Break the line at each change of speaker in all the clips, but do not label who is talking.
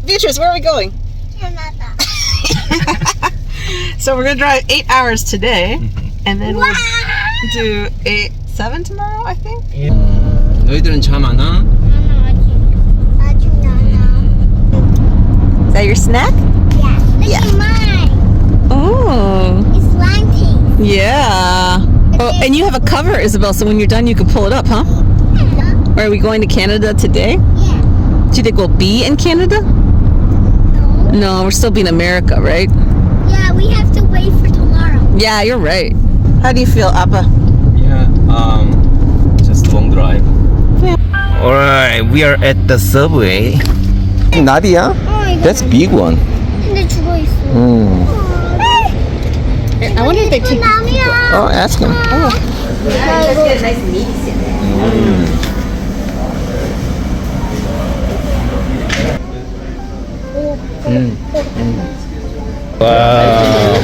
Beatrice, where are we going?
Canada.
So we're gonna drive 8 hours today, and then we'll do 7 tomorrow, I think.
너희들은 잠 안 와?
아직 나나.
Is that your snack?
Yeah. Look
Yeah.
at mine.
Oh.
It's slime
Yeah. Oh, and you have a cover, Isabel, so when you're done, you can pull it up, huh?
Yeah.
Are we going to Canada today?
Yeah.
Do you think we'll be in Canada?
No.
No, we're still being America, right?
Yeah, we have to wait for tomorrow.
Yeah, you're right. How do you feel, Appa?
Yeah, just long drive.
Yeah.
Alright, we are at the subway. Nadia? That's big one.
근데 죽어 있어.
I wonder if they take.
남이야.
Oh, ask him.
Oh. Let's get a nice meaty sandwich.
Wow.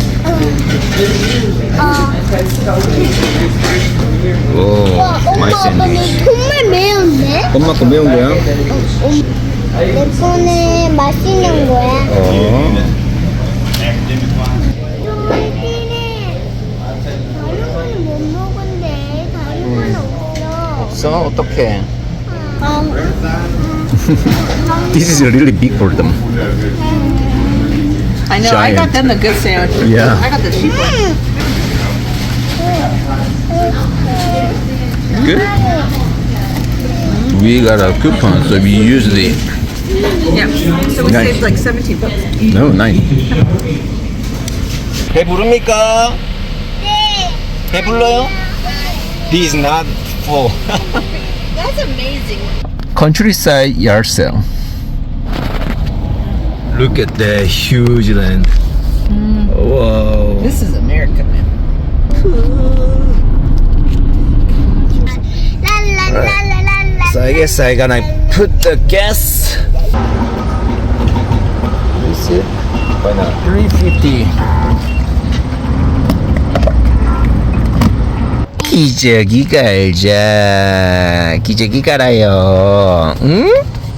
오, my sandwich.
정말 매운데?
엄마 거 매운 거야?
내 거는 맛있는 거야.
어.
다른 거는 못 먹은데 다른 거는 없어.
없어? 어떡해?
어.
This is really big for them.
I know. I got them the good sandwich.
Yeah.
I got the cheap one.
Good? We got a coupon, so we use it.
Yeah. So we
Nice.
saved like $17.
No, 9. 배부릅니까?
네.
배불러요? This is not full.
That's amazing.
Countryside yard sale. Look at that huge land. Whoa.
This is America, man.
La la la la la la.
So I guess I gonna put the gas. Is it? Why not? 350. 기저귀 갈자. 기저귀 갈아요. 응?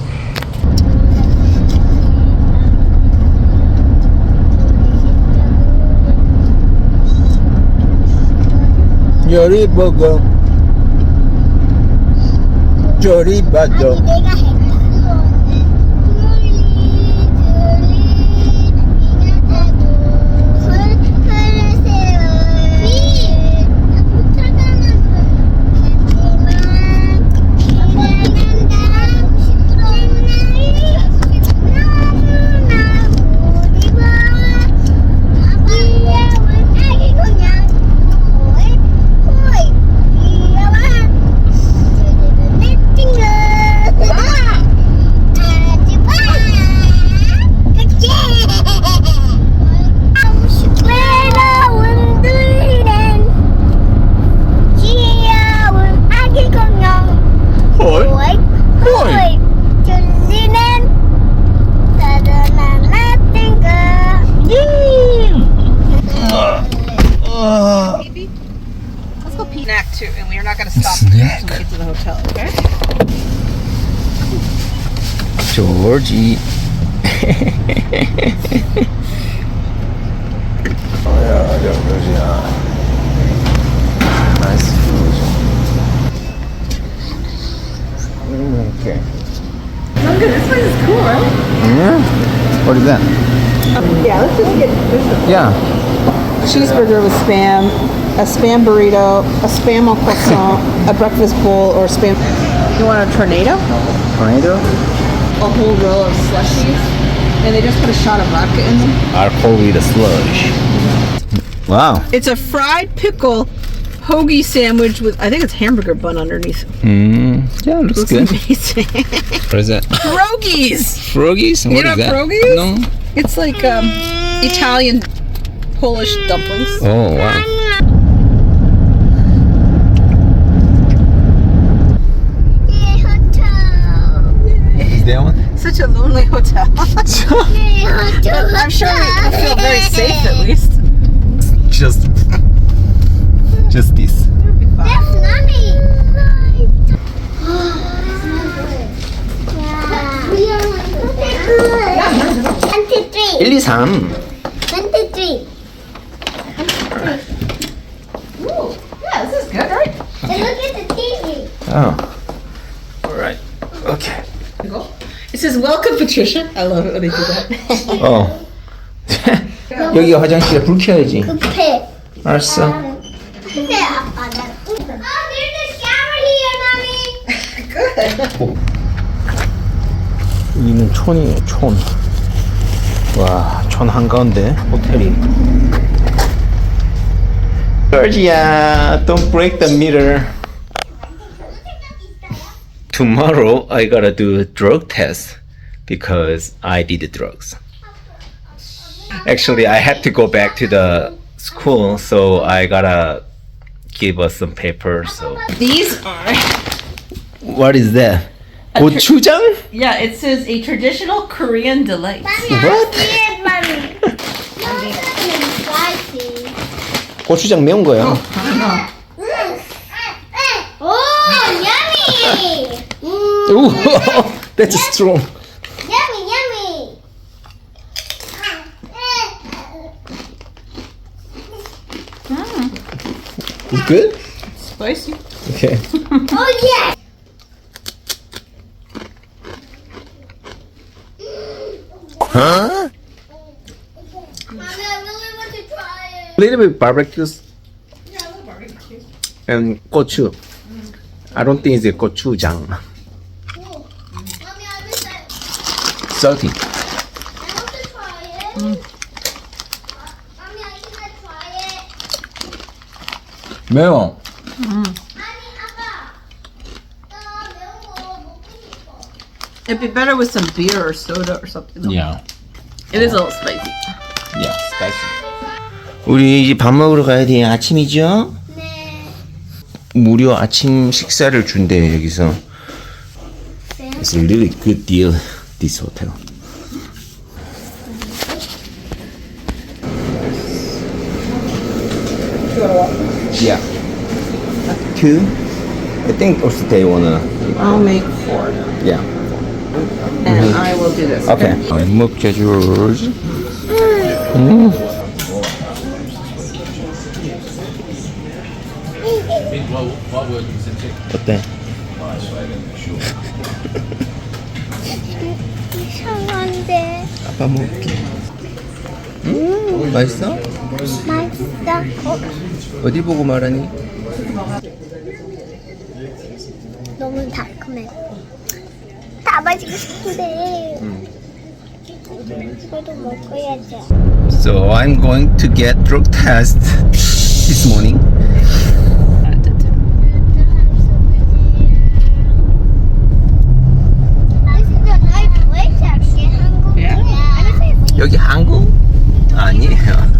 요리 먹어. 조리 받아.
아니 내가 했어.
Let's go pee. Snack too, and we are not going to stop
Snack.
until we get to the hotel. Okay.
Georgie. Nice food. Okay.
Look, this place is cool, right?
Yeah? What is that?
Yeah, let's just get this.
Yeah.
Cheeseburger with spam, a spam burrito, a spam au croissant, a breakfast bowl, or spam. You want a tornado?
Tornado?
A whole row of slushies, and they just put a shot of vodka in them.
Alcohol with a slush. Wow.
It's a fried pickle hoagie sandwich with, I think it's hamburger bun underneath.
Yeah, looks good.
Amazing.
What is that?
Pierogies.
Pierogies? What
You
is
know
that?
pierogies?
No.
It's like Italian, Polish dumplings.
Oh, wow. Is that one?
Such a lonely hotel. I'm sure we feel very safe at least.
Just this.
That's mommy. Wow.
1, 2, 3.
23.
Ooh, yeah, this is good, right?
And look at the TV.
Oh. Alright. Okay.
It says, welcome, Patricia. I love it when they do that.
어. 여기가 화장실에 불 켜야지.
급해.
알았어.
근데 아빠 나. Oh, there's a shower here, mommy.
여기는 촌이에요, 촌. 와, 촌 한가운데 호텔이. Georgia, don't break the mirror. Tomorrow I gotta do a drug test because I did the drugs. Actually, I have to go back to the school, so I gotta give us some papers. So
These are,
what is that? 고추장?
yeah, it says a traditional Korean delight.
What?
Yes, mommy. Mommy, spicy.
고추장 매운 거야.
Oh, yummy!
Ooh, that's strong.
Yummy, yummy!
It's good?
Spicy.
Okay.
Oh, yes!
Huh?
Mommy, I really want to try it.
Little bit barbecue and gochu. I don't think it's a gochujang.
Mommy, I wish I
Salty.
want to try it. Mommy, I can try it.
매워.
아니, 아빠. 나 매운 거 먹고 싶어.
It'd be better with some beer or soda or something. though.
Yeah.
It is a little spicy.
Yeah, spicy. 우리 이제 밥 먹으러 가야 돼. 아침이죠?
네.
무료 아침 식사를 준대 여기서. It's a really good deal, this hotel. Yeah. Two. I think also they wanna.
I'll make 4.
Yeah.
And I will do this.
Okay. 안 먹자 조지. 어때?
이상한데.
아빠 먹을게. 맛있어?
맛있어.
어디 보고 말하니?
너무 달콤해. 다 마시고 싶은데. 그래도 먹어야지.
So I'm going to get drug test this morning. 여기 한국? 아니에요.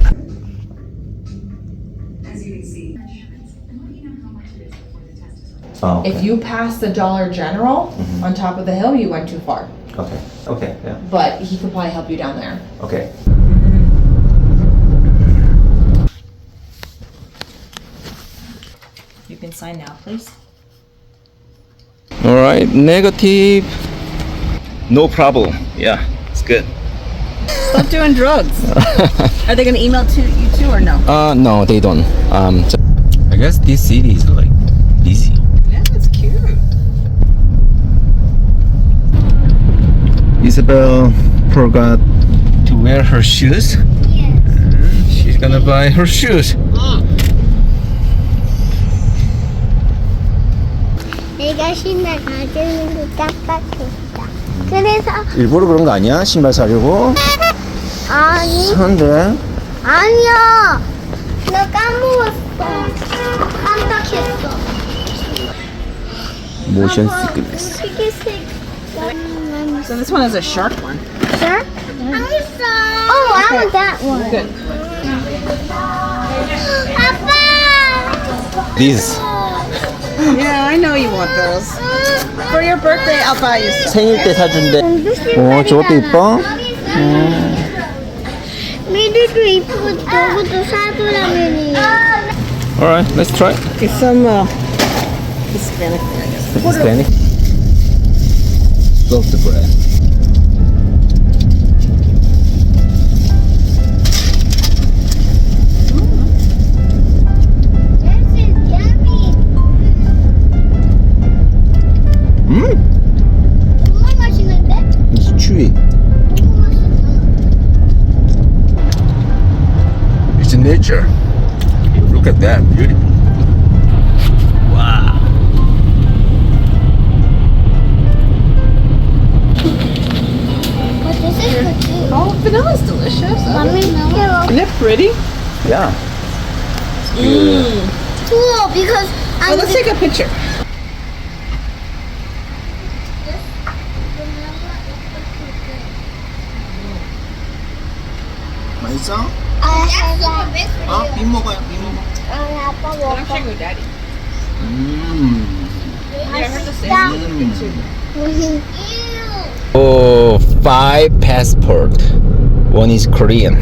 Oh,
If you pass the Dollar General on top of the hill, you went too far.
okay. Okay. Yeah.
But he could probably help you down there.
Okay.
You can sign now, please.
All right. Negative. No problem. Yeah, it's good.
Stop doing drugs. Are they going to email to you too or no?
No, they don't. I guess this city is like busy.
Yeah, it's cute.
Isabel forgot to wear her shoes. She's gonna buy her shoes.
내가 신발 가지는 거 깜빡했다. 그래서
일부러 그런 거 아니야? 신발 사려고?
아니
산데.
아니야. 나 까먹었어. 깜빡했어.
모션 시크니스.
피기색.
So this one is a sharp one.
Sure? Oh, I want that one.
Good.
아빠.
This.
Yeah, I know you want those. For your birthday, I'll buy you some.
생일 때 사준대. 오, 저것도 이뻐?
미리도 이쁘고 저것도 사주라면이.
Alright, let's try.
Get some Hispanic food, I guess.
Hispanic. Love the bread. baby. It's nature. Look at that, beautiful. Wow.
But this is cookie.
Oh, vanilla's delicious.
Mommy,
Isn't it pretty?
Yeah.
cool because
Well, let's take a picture.
맛있어?
I
빈 먹어요, 빈 먹어.
아빠 먹어.
go daddy.
Yeah,
I heard the same.
Oh, 5 passport. One is Korean.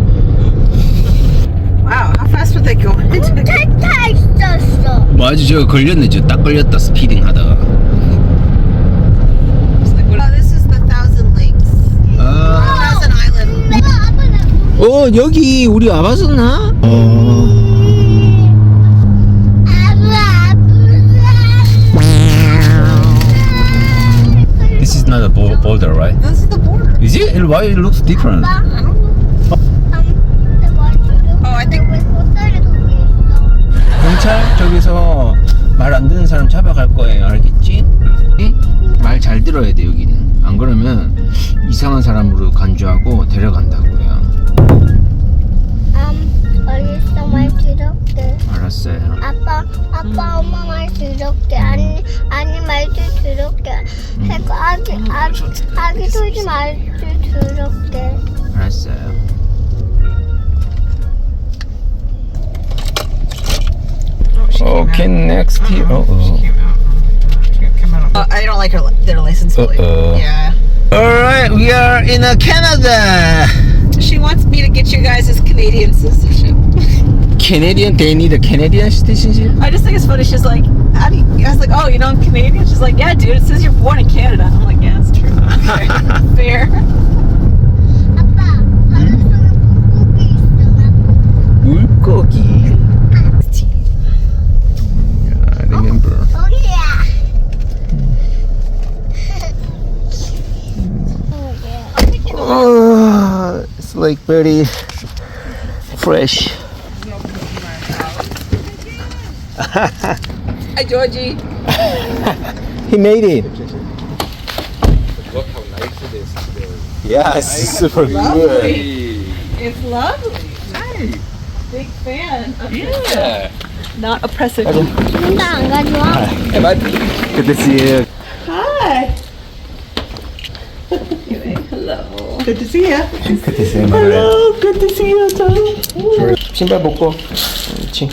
Wow, how fast would they go?
타 있었어.
맞아, 저거 걸렸네. 저 딱 걸렸다. 스피딩 하다가.
Oh, this is the Thousand Lakes.
아,
Thousand Island.
아빠 나
여기 우리 와봤었나? This is not a border, right?
This is the border.
Is it? Why it looks different?
Oh, I think
경찰 저기서 말 안 듣는 사람 잡아갈 거예요. 알겠지? 말 잘 들어야 돼 여기는. 안 그러면 이상한 사람으로 간주하고 데려간다고요.
어딨어 말 들을게.
알았어요.
아빠 엄마 말 들을게. 아니 말도 들을게. 해고 아기 소리 말도 들을게.
알았어요. Okay, next here.
I don't like their license plate.
Uh-oh.
Yeah.
Alright, we are in Canada.
She wants me to get you guys his Canadian citizenship.
Canadian, they need a Canadian citizenship?
I just think it's funny. She's like, how do you, I was like, oh, you know I'm Canadian? She's like, yeah, dude, it says you're born in Canada. I'm like, yeah, that's true. Fair.
아빠 바닷속에 물고기 있어.
물고기. Yeah, remember.
어디야?
Oh, it's like very fresh.
Hi, Georgie.
He made it. Look how nice it is today. Yeah, it's super good.
It's lovely. Nice. Big fan.
Yeah.
Not oppressive.
혼자 안 가져와?
Good to see you.
Hi. Hello. Good to see you.
Good to see you.
Hello. Good to see you, Tom.
신발 벗고. 그렇지.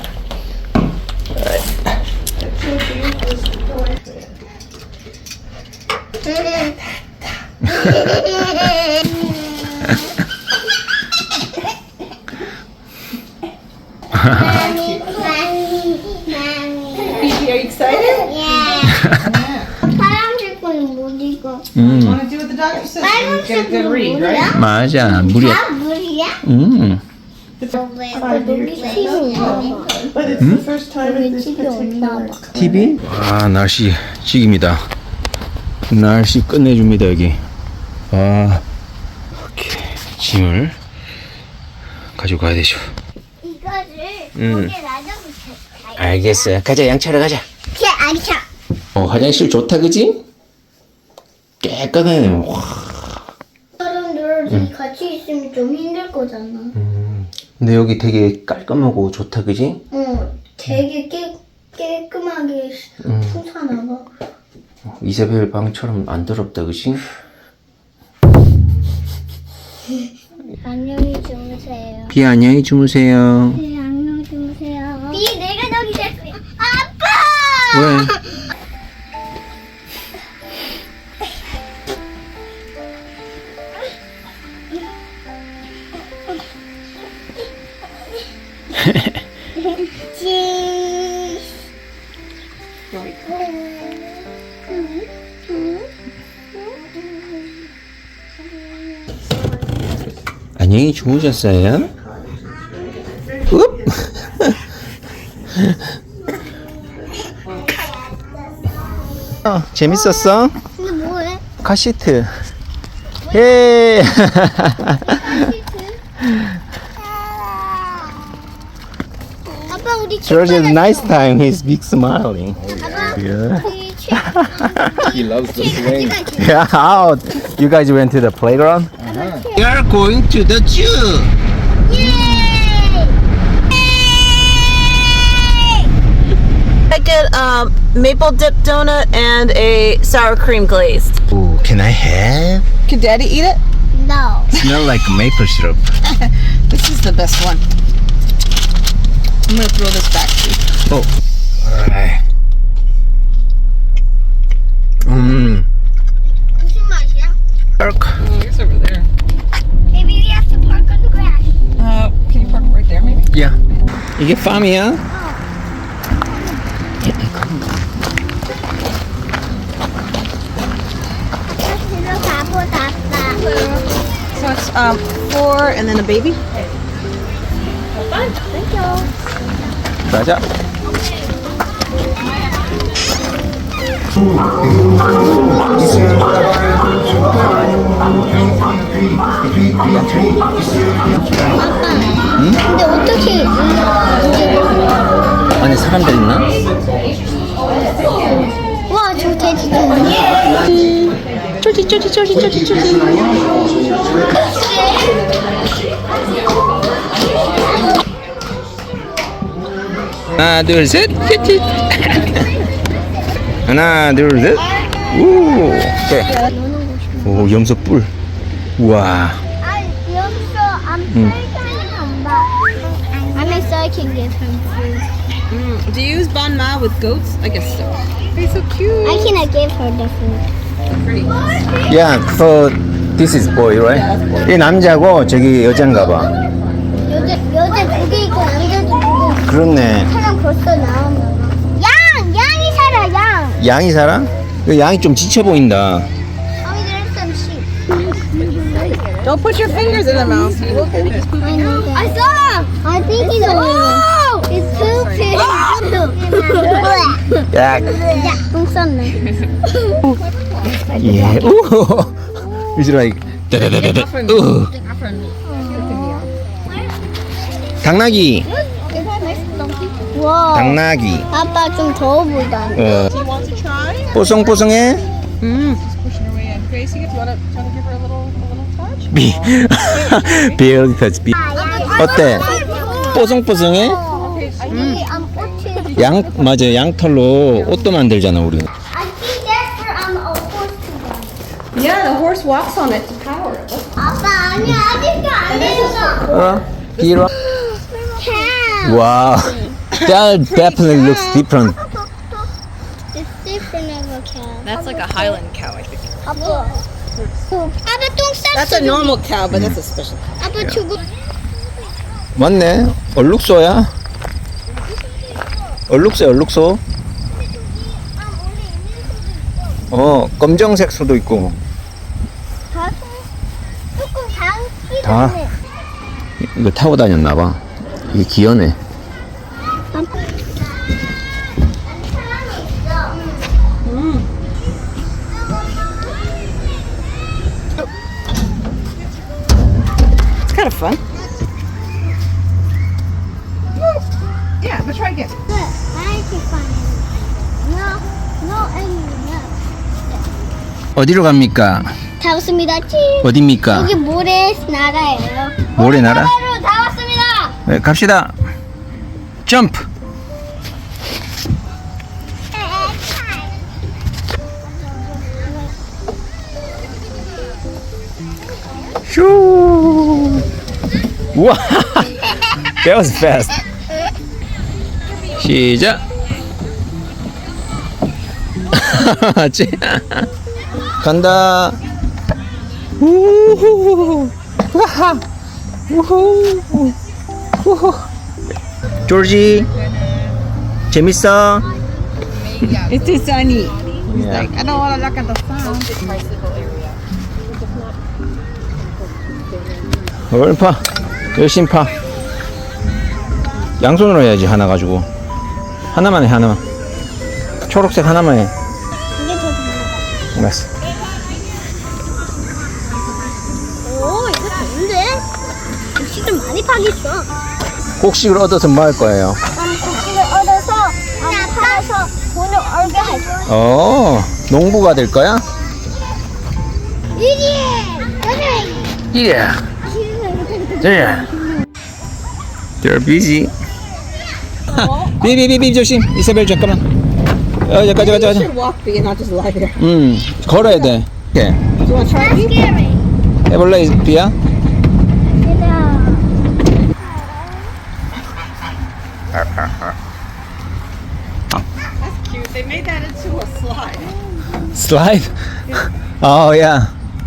Are you excited?
파란색 건 못 읽어.
Want to do what the doctor says?
빨간색 건 물이야?
맞아, 물이야.
다 물이야? 왜 여기 TV 있나?
But it's the first time in this
TV 없나 봐.
TV? 와, 날씨 지깁니다. 날씨 끝내줍니다, 여기. 와, 오케이. 짐을 가지고 가야 되죠.
이거를 여기에 놔둬도 돼.
알겠어요. 가자, 양차로 가자.
걔 아니야.
화장실 좋다, 그지? 깨끗하네. 와.
사람들 같이 있으면 좀 힘들 거잖아.
근데 여기 되게 깔끔하고 좋다, 그지?
되게 깨끗하게 풍선하나 봐.
이사벨 방처럼 안 더럽다, 그지?
안녕히 주무세요.
비 안녕히 주무세요.
네, 안녕히 주무세요. 비 내가 여기 잘 거야. 아빠!
왜? 안녕히 주무셨어요? 읍! 재밌었어?
근데 뭐해?
카시트. Hey!
아빠 우리
George has a nice time. He's big smiling.
아빠
Yeah.
우리 책
He loves the swing.
책
Yeah, how? You guys went to the playground? We are going to the zoo.
Yay!
I get maple dip donut and a sour cream glazed.
Ooh, can I have?
Can Daddy eat it?
No.
Smell like maple syrup.
This is the best one. I'm gonna throw this back to you.
Oh, alright.
무슨 맛이야?
Dark.
It's over there.
Maybe we have to park on the grass.
Can you park right there, maybe?
Yeah. 이게 팜이야?
들어가보다 아빠.
So it's 4 and then a baby.
가자.
근데 어떻게
안에 사람들 있나?
와, 저 돼지도
쪼지 쪼지 쪼지 쪼지 쪼지.
하나, 둘, 셋. 히히. 하나, 둘, 셋. 우. 그래. 오, 염소 뿔. 우와.
여기서 I'm so I can give him food.
Do you use Bon Ma with goats? I guess so. They're so cute.
I cannot give her the food.
Yeah, so this is boy, right? 이 남자고 저기 여잔가 봐.
여자 두 개 있고 남자 두 개.
그렇네.
사람 벌써 나왔나 봐. 양이 살아 양.
양이 살아? 그 양이 좀 지쳐 보인다.
Mommy, there's some sheep.
Don't put your fingers in the mouth.
I know that. I saw. I think he's it's too big.
야,
야, 똥 쌌네.
예. 우. It's like 다다다다다. 당나귀.
와.
당나귀.
아빠 좀 더워 보이다.
Want to try?
뽀송뽀송해.
Pushing her way in. Gracie, if you want to give her a little touch?
비. 비엘 터치 비. 어때? 뽀송뽀송해? 양 맞아. 양털로 옷도 만들잖아 우리.
I think that's for a horse to run.
Yeah, the horse walks on it to power it.
아빠 아니야 아직도 안 됐어.
뒤로.
Cow.
Wow. That definitely looks different.
It's different of a cow.
That's like a Highland cow, I think.
아빠. 아빠 똥 쌌어.
That's a normal cow, but that's a special cow.
아빠 저거.
맞네. 얼룩소야. 얼룩소, 얼룩소. 검정색 소도 있고.
조금 당기네.
다. 이거 타고 다녔나 봐. 이게 기어네.
It's kind of fun. Yeah, but try again.
I can find it. No, no.
어디로 갑니까?
다 왔습니다.
어디입니까?
여기 모래 나라예요.
모래 나라?
나라로 다 왔습니다.
네, 갑시다. 점프. 슈. 우와. That was fast. 시작. 간다. 우후. 와하. 우후. 우후. 조지. 재밌어?
It's too sunny.
Yeah.
I don't want to look at the sun.
얼른 파. 열심히 파. 양손으로 해야지 하나 가지고. 하나만 해 하나만. 초록색 하나만 해.
이게 더 좋은
알았어.
난입하겠어.
곡식을 얻어서 뭐 할 거예요?
곡식을 얻어서 팔아서 돈을 얼게 할 거야.
농부가 될 거야? Yeah. Yeah. They're busy. 비비비비 조심. 이사벨 잠깐만. 가자.
You should walk, B, and not just lie there.
걸어야 돼. 오케이.
Do you want to try, B?
Scary.
해볼래 비야?
That's cute. They made that into a slide.
Slide? Oh yeah.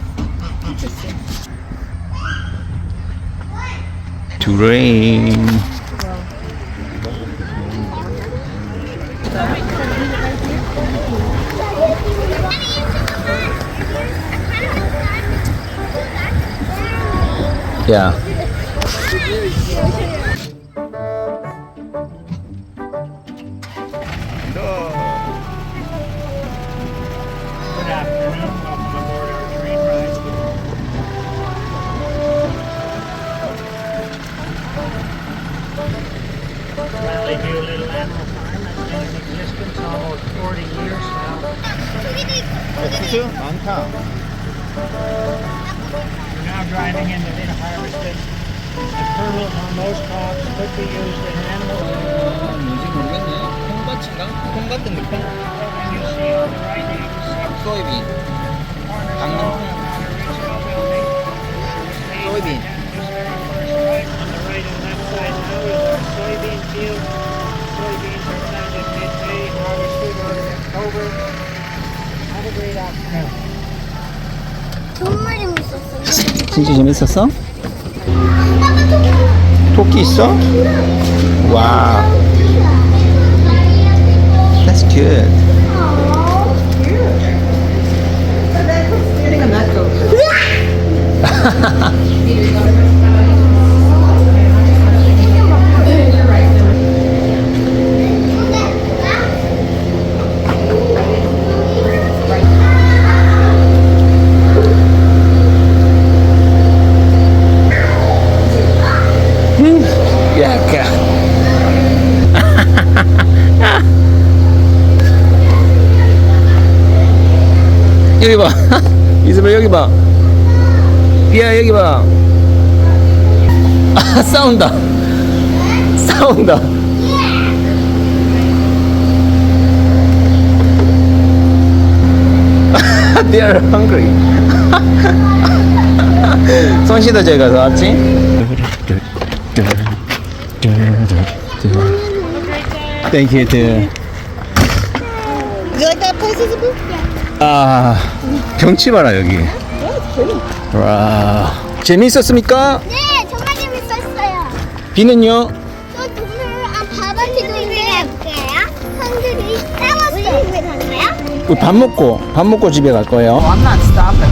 Terrain. Yeah.
Good afternoon. Welcome aboard our train ride. Valley View Little Animal Farm has been in existence almost 40 years now.
수수 많다.
We're now driving into mid-harvested. The kernels on most crops could be used in animal food.
뭔지 모르겠네. 콩밭인가? 콩 같은 느낌?
And you see on the right hand side,
소이빈.
cornerstone of our retail building.
소이빈.
This very first right on the right and left side now is our soybean field. Soybeans are planted mid-May, harvested early October. Have a great afternoon.
정말 재밌었어.
진짜 재밌었어? 토끼 있어? 와. That's good.
Getting a nut joke.
약간. 여기 봐. 이스벨 여기 봐. 비야 여기 봐. 아, 싸운다. 싸운다. They are hungry. 손 씻어 저기 가서 왔지? Thank you too.
You like that place, Isabel?
아, 경치 봐라 여기. 와, 재미있었습니까?
네, 정말 재밌었어요.
비는요?
또 동물 바바티 동물에 볼게요. 형들이 싸웠어. 우리 집에 가는 거야?
우리 밥 먹고 집에 갈 거예요.
I'm not stopping.